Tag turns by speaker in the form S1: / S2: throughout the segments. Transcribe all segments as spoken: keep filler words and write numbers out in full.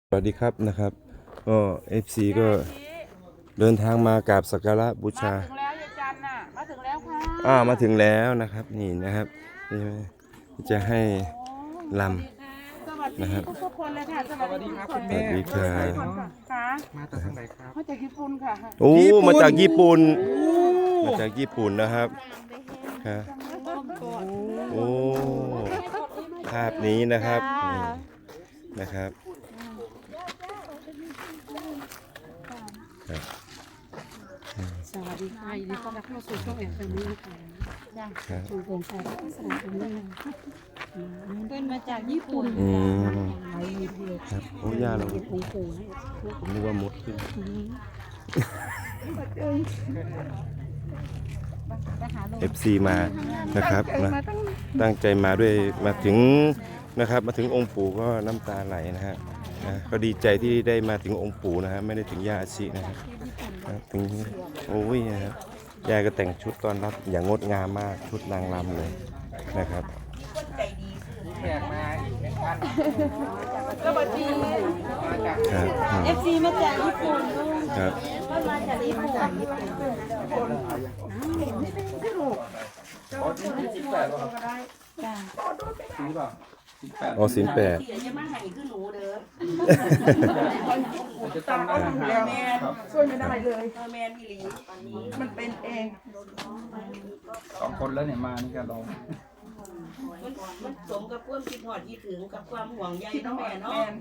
S1: สวัสดีครับนะครับก็ เอฟ ซี ก็เดินทางมากราบสักการะบูชา
S2: มาถึงแล้วยายจันน่ะมาถึงแล้วค่ะ
S1: อ่ามาถึงแล้วนะครับนี่นะครับนี่จะให้ล
S2: สวัส
S1: ำ
S2: ดี
S1: นะครับ
S2: ทุกๆคนเลยค่ะสวัสดีครับคุณ
S1: ส
S2: แม่
S1: วัสดีครับ
S2: ค่ะ
S3: มาจากทางไหนครับ
S2: มาจากญี่ปุ่นค่ะ
S1: โอ้มาจากญี่ปุ่นมาจากญี่ปุ่นนะครับครับโอ้ภาพนี้นะครับนี่นะครับครับ
S4: สวัสดีค่ะยินดีต้อนรับเข้าสู่ช่องแอนแฟมิลี่นะคะ
S1: ครับ
S4: ช่องโปร่งใสและสนามนี้นะคะเพื่อนมาจากญี่ปุ่น
S1: อืม
S4: ไลฟ์วิดีโอ
S1: ครับโอ้ย่าเรา
S4: เก็บองค์ปู่ให้
S1: ผมนึกว่ามดขึ้น เอฟ ซี มานะครับนะตั้งใจมาด้วยมาถึงนะครับมาถึงองค์ปู่ก็น้ำตาไหลนะฮะนะก็ดีใจที่ได้มาถึงองค์ปู่นะฮะไม่ได้ถึงย่าอาชินะครับนะถึงโอ้ยนะครับยายก็แต่งชุดต้อนรับอย่างงดงามมากชุดนางรำเลยนะครับ
S3: แขกมาอีกเป็นพัน
S2: สวัสดี
S3: มาจาก
S1: ครับอืม
S4: เอฟซีมาจากญี่ปุ่น
S1: ครับ
S4: ก็มาจากญี่ปุ่น
S3: อ๋อที่สิบแปดป่ะครับ
S4: จ้า
S3: ซื้อป่ะสิบแปด
S1: อ๋อสินแปด
S4: จะมาให้คือหนูเด้อ
S3: ผมจะตั้งร้านอาหารครับ
S2: ช่วยไม่ได้เลย
S4: แมนพี่ลี
S2: มันเป็นเอง
S3: สองคนแล้วเนี่ยมานี่กันเรา
S5: มันมันสมกับความคิดหอดคิดถึงกับความห่วงใย
S2: คิด
S5: น้อง
S2: แม่
S5: แม่
S2: เนาะ
S5: เนาะ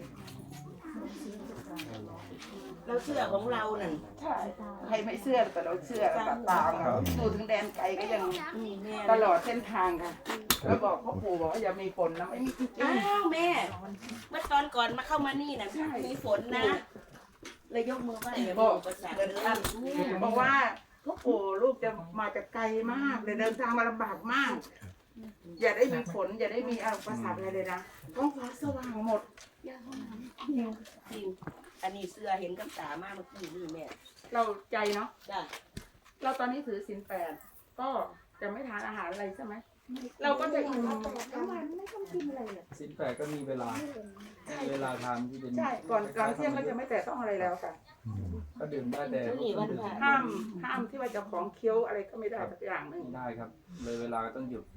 S5: เราเชื่อของเรานั่น
S2: ใช่ใครไม่เชื่อแต่เราเชื่อเราตามเราดูถึงแดนไกลก็ยัง
S5: มีแม่
S2: ตลอดเส้นทางค่ะแล้วบอกพ่อปู่บอกว่าอย่ามีฝนนะไม่มีจริง
S5: อ้าวแม่ เมื่อตอนก่อนมาเข้ามานี่น่ะมีฝนนะเลยยกมือไหว้เลย
S2: บอ
S5: บอก กภาษา
S2: เดิน
S5: เลย
S2: ทางบอกว่าพ่อปู่ลูกจะมาจากไกลมากเลยเดินทางมาลำบากมาก อย่าได้มีฝนอย่าได้มีอุปสรรคอะไรเลยนะท้องฟ้าสว่างหมด
S5: จริงอันนี้เสื้อเห็นกับตามากเมื่อกี้นี่แม่
S2: เราใจเนาะ
S5: จ้ะ
S2: เราตอนนี้ถือศีลแปดก็จะไม่ทานอาหารอะไรใช่ไหมเราก็จะอิ่ม
S3: สิบแปดก็มีเวลามีเวลาทานที่เป็น
S2: ใช่ก่อนก่อนเที่ยงก็จะไม่แตะต้องอะไรแล้วค่ะ
S3: ก็ดื่มได้แต่
S5: ช่วงนี้วันพระ
S2: ห้ามห้ามที่ว่าจะของเคี้ยวอะไรก็ไม่ได้สักอย่างหนึ่ง
S3: ไม่ได้ครับ เลยเวลาก็ต้องหยุด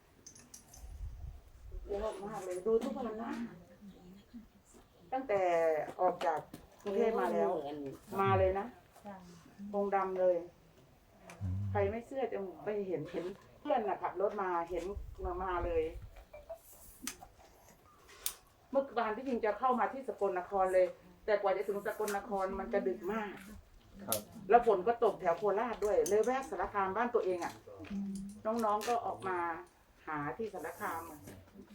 S2: เยอะมากเลยดูทุกวันนะตั้งแต่ออกจากกรุงเทพมาแล้ว มาเลยนะองค์ดำเลย ใครไม่เชื่อจะไปเห็นเห็นเพื่อนน่ะขับรถมาเห็นมามาเลย เมื่อวานที่จริงจะเข้ามาที่สกลนครเลย แต่กว่าจะถึงสกลนครมันจะดึกมาก
S3: ครับ
S2: แล้วฝนก็ตกแถวโคราชด้วย เลยแวะสารคามบ้านตัวเองอ่ะ น้องๆก็ออกมาหาที่สารคามอะ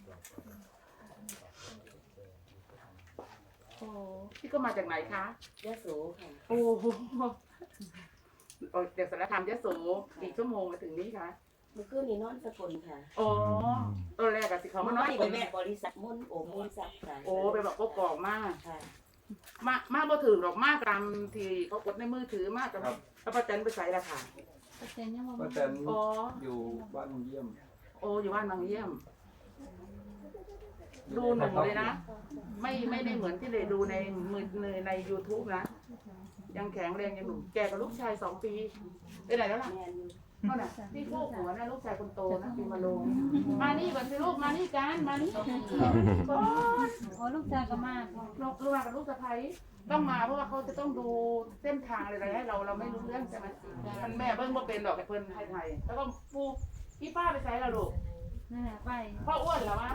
S2: โอ้พี่ก็มาจากไหนคะ
S5: ยะโสค่ะ
S2: โอ้โหออกจากสารคามยะโสกี่ชั่วโมงมาถึงนี่คะ
S5: เมื่อคืนนี้นอนสกลค่ะ
S2: อ๋อตอนแรกอะสิเขา
S5: เมื่
S2: มา
S5: อน
S2: อ
S5: วาน น
S2: อี
S5: นี้
S2: ก
S5: ไป
S2: แม่
S5: แม่บริษัทมุ่นโอมุ่นซับค่ะ
S2: โอ้ไปบอกก็กอกมาก
S5: ค่ะ
S2: มากมากบ่ถึงหรอกมากตามที่เขากดในมือถือมากกับ
S3: ครับ
S2: แล้วป้าแตนไปใส่ละค่ะ
S3: ป้าแตน
S2: อ๋อ
S3: อยู่บ้านเยี่ยม
S2: โอ้อยู่บ้านบางเยี่ยม ดูหนูเลยนะ ไม่ไม่ได้เหมือนที่เลยดูในมือในในยูทูบนะ ยังแข็งแรงยังหนุ่มแกกับลูกชายสองปีไปไหนแล้วล่ะ
S5: แม่อยู่
S2: นั่นน่ะที่พวกหัวนะลูกชายคนโตนะปีมาลงมานี่ก่อนสิลูกมานี่กันมานี่ก่อน
S4: โอ้ลูกชายก็มาก
S2: ลูกลูกมากับลูกสะใภ้ต้องมาเพราะว่าเขาจะต้องดูเส้นทางอะไรให้เราเราไม่รู้เรื่องใช่ไหมมันแม่เบิ้งบ่เป็นดอกไอ้เพิ่นไทยๆแล้วก็ปูพี่ป้าไปใช้ละลูก
S4: นั่นแหละไป
S2: พ่ออ้วนเหรอวะ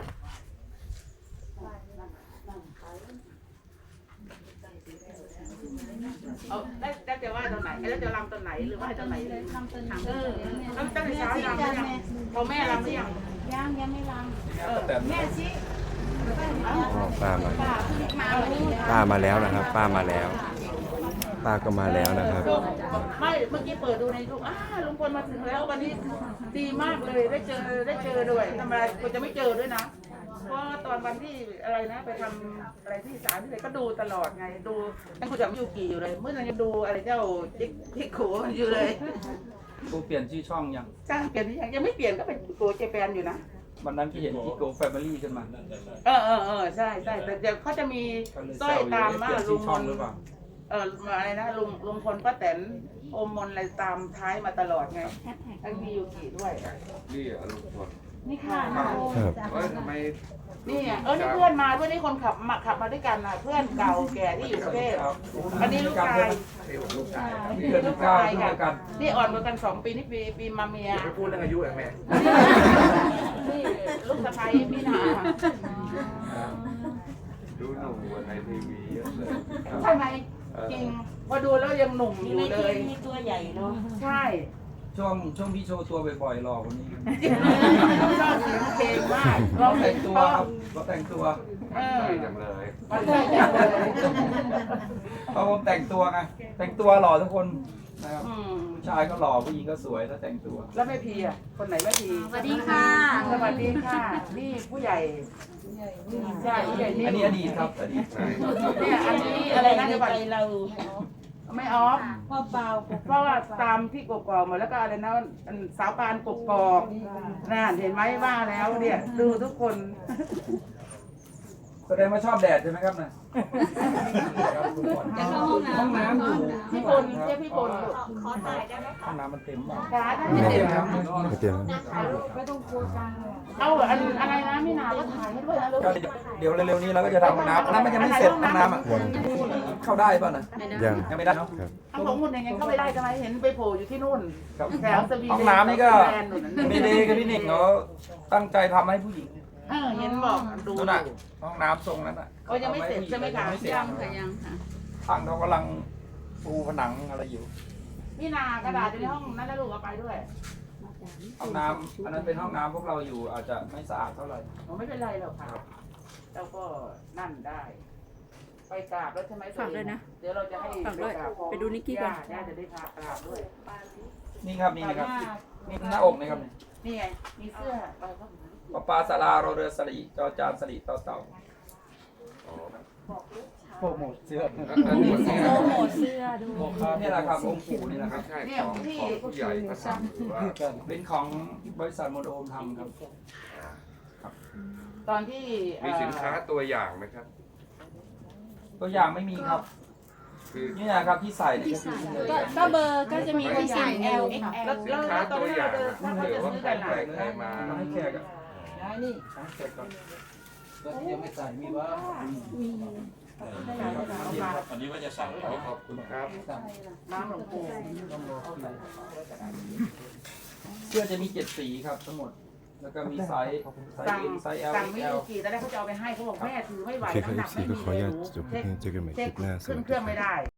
S2: เอาได้ได้จะว่าตอนไหนแล้วจะรำตอนไหนหรือว่าตอนไหน
S4: เลยทำเป็น
S2: เออแล้วตั้งแต่เช้ารำหรือยังพอแม่รำหรือยัง
S4: ย่างยังไม่ร
S2: เออ
S3: ป้าแตน
S4: ำแม่ชิ
S1: อ๋อป้ามา
S4: ป้าเพิ่งมาวันนี้
S1: ป้ามาแล้วนะครับ ป้ามาแล้ว ป้าก็มาแล้วนะครับ
S2: ไม่เมื่อกี้เปิดดูในยูทูบอ้าลุงพลมาถึงแล้ววันนี้ดีมากเลยได้เจอได้เจอด้วยทำไมกูจะไม่เจอด้วยนะ เพราะตอนวันที่อะไรนะไปทำอะไรที่ศาลที่ไหนก็ดูตลอดไงดูยังคุยกับยูกิอยู่เลยเมื่อนั้นยังดูอะไรเจ้าจิ๊กจิ๊กขู่มันอยู่เลย
S3: กูเปลี่ยนชื่อช่องยัง
S2: จ้างเปลี่ยนหรือยังยังไม่เปลี่ยนก็เป็นตัวเจแปนอยู่นะ
S3: วันนั้นที่เห็นที่โกแฟมิลี่ขึ้นมา
S2: เออเออเออใช่ใช่แต่เดี๋ยวเขาจะมีสร้อยตามมาลุงมนต์เอออะไรนะลุงลุงพลป้าแตนโอมมนต์อะไรตามท้ายมาตลอดไงไอ้มียูกิด้วย
S6: นี่อารมณ์คน
S4: นี่ค่ะ
S1: ครับ
S6: เอ้ยทำไม
S2: นี่ไงเออนี่เพื่อนมาด้วยนี่คนขับมาขับมาด้วยกันนะเพื่อนเก่าแก่ที่อยู่กรุงเทพอันนี้ลูกชาย
S6: ลูกชาย
S3: มีเพื่อนลูกชายด้วยกัน
S2: นี่อ่อนกว่ากันสองปีนี่ปีปีมาเมีย
S6: ไม่พูดเรื่องอายุเหรอแม่
S2: นี่ลูกสะใภ้พี่นา
S6: ดูหนุ่มกว่าในทีวีเยอะเลย
S2: ใช่ไหมจริงพอดูแล้วยังหนุ่มอ
S5: อยู่
S2: ยู่
S5: ใน
S2: เล
S5: ที
S2: ย
S5: วีตัวใหญ่เนาะ
S2: ใช่
S3: ช่วงช่วงพี่โชว์ตัวบ่อยๆหล่อกว่านี้
S2: ชอบเสียงเพลงมาก
S3: เรา
S2: ร้องเพล
S3: แต่
S2: ง
S3: ง
S2: ตั
S3: ตัว วครับเราแต่งตัว
S2: เออ
S6: ใช่จังเลย
S2: มันใช่จังเลย
S3: เพราะผมแต่งตัวไงแต่งตัวหล่อทุกคนนะครับ
S2: อืม
S3: ผู้ชายก็หล่อผู้หญิงก็สวยถ้าแต่งตัว
S2: แล้วแม่พีอ่ะคนไหนแม่พี
S4: สวัสดีค่ะ
S2: สวัสดีค่ะนี่ผู้ใหญ่ใช่ผู้ใหญ่นี่
S3: อันนี้อดีตครับอดีต
S6: ใช่
S2: เนี่ยอันนี้อะไรนะ
S5: ใน
S2: เดี๋ยวก่อน
S5: ใจเรา
S2: ไม่ออฟ
S4: พ่อเปล่า
S2: เพราะว่าตามที่กกอกมาแล้วก็อะไรนะอันสาวปานกกอกน่าเห็นไหมว่าแล้วเนี่ยดูทุกคน
S3: แสดงว่าชอบแดดใช่ไหมครับนะห้องน้ำอยู่
S2: พี่พลเรียกพี่พลลูก
S5: ขอถ่ายได้ไหม
S3: ห้องน้ำมันเต็ม
S2: ขาท่าน
S3: ไม่
S2: ไม่
S3: เต็
S2: เต็
S3: ม
S2: ม
S3: ครับ
S1: ไม่เตรียม
S2: เอาอันอะไรนะพี่นาก็ถ่ายให้ด้วยนะลูก
S3: ก็เดี๋ยวเร็วๆนี้เราก็จะทำห้องน้ำห้องน้ำมันยังไม่เสร็จห้องน้ำอ่ะเข้าได้ป่ะนะ
S1: ยัง
S3: ยังไม่ได้เนาะ
S1: ครับ
S2: เอาของคุณยังไงเข้าไปได้ใช่ไหมเห็นไปโผล่อยู่ที่นู่น
S3: ครับ
S2: แถวสวีเดน
S3: ห้องน้ำนี่ก็
S2: แลนด์นู่นน่ะ
S3: มีเดย์กับพี่หนิงเขาตั้งใจทำให้ผู้หญิง
S2: เออเห็นบอกดู
S3: นู่นน่ะห้องน้ำทรงนั้นอ่ะ
S2: โอ้ยังไม่เสร็จใช่ไหมคะ
S3: ยังไม่เสร็จ
S4: ยังค่ะยังค่ะ
S3: ทางเขากำลังปูผนังอะไรอยู่
S2: พี่นากระดาษอยู่ในห้องนั้นแล้วลูกเอาไปด้วย
S3: ห้องน้ำอันนั้นเป็นห้องน้ำพวกเราอยู่อาจจะไม่สะอาดเท่าไหร่
S2: ผมไม่เป็นไรหรอกค่ะเราก็นั่นได้ ไปกราบแล้วใช่ไหม
S4: ฝากด้วยนะ
S2: เดี๋ยวเราจะให้
S4: ฝากด้วย
S2: รบ
S4: ไปดูนิกกี้ก่อน
S2: ย่าจะได้พากราบด้วย
S3: นี่ครับนี่นะครับนี่หน้าอกนี่ครับนี่
S2: นี่ไงมีเสื้อไปก็
S3: ปะปาสลาโรเรือสลีจอจานสลีต่อเต่าโปรโมทเสื้อ
S6: อันนี้เนี่ย
S5: โปรโมทเสื้อด้วย
S3: นี่แหละครับองค์ปู่นี่นะครับ
S6: ใช่ของของผู้ใหญ่ก็สั่งหรือว่า
S3: เป็นของบริษัทโมโดมทำครับ
S2: ตอนที่
S6: มีสินค้าตัวอย่างไหมครับ
S3: ตัวอย่างไม่มีครับ
S6: คือ
S3: นี่นะครับที่ใส่เนี่ยก็คือนี่เลย
S4: ก็ก็เบอร์ก็จะมีคนสั่ง L ค่ะ
S2: แล้ว
S6: สิ
S2: แล้ว
S6: นค้า
S2: ตอน
S6: ตัว
S2: ที่
S6: อย่า
S2: เรา
S6: ง
S2: เดิน
S6: นะ
S2: ถ้าเขา
S6: เผื่อ
S2: จะ
S6: ว่า
S2: ซื้อ
S6: ใคร
S2: กันหลาย
S6: ใครมา
S3: มาให้แขกอ่ะ
S2: นี่
S3: ให้แขกก่อนแล้วที่ยังไม่ใส่มีว่า
S6: อันนี้ว่าจะสั่งขอขอบคุณครับ
S2: น้ำหลวงปู่
S3: เสื้อจะมีเจ็ดสีครับทั้งหมด แล้วก็มีไซส์ไซส์
S2: สั่ง
S3: M ไซส์ L
S2: สั่งไม่
S3: L
S2: ยูกี่ตอนแรกเขาจะเอาไปให้เขาบอกแม่ถือไม่ไหว
S1: โอเคครับ
S2: น้ำหนัก
S1: เอฟซี
S2: ไม่
S1: ก็
S2: มี
S1: ขออนุญาตจบ
S2: เช็ค
S1: เพียงเจอกันใหม่ค
S2: เช็
S1: ลิ
S2: ค
S1: ปหน้าส
S2: ขึ้
S1: วัน ส
S2: เค
S1: ดี
S2: รื่อง
S1: ค
S2: ไม่
S1: รับ
S2: ได้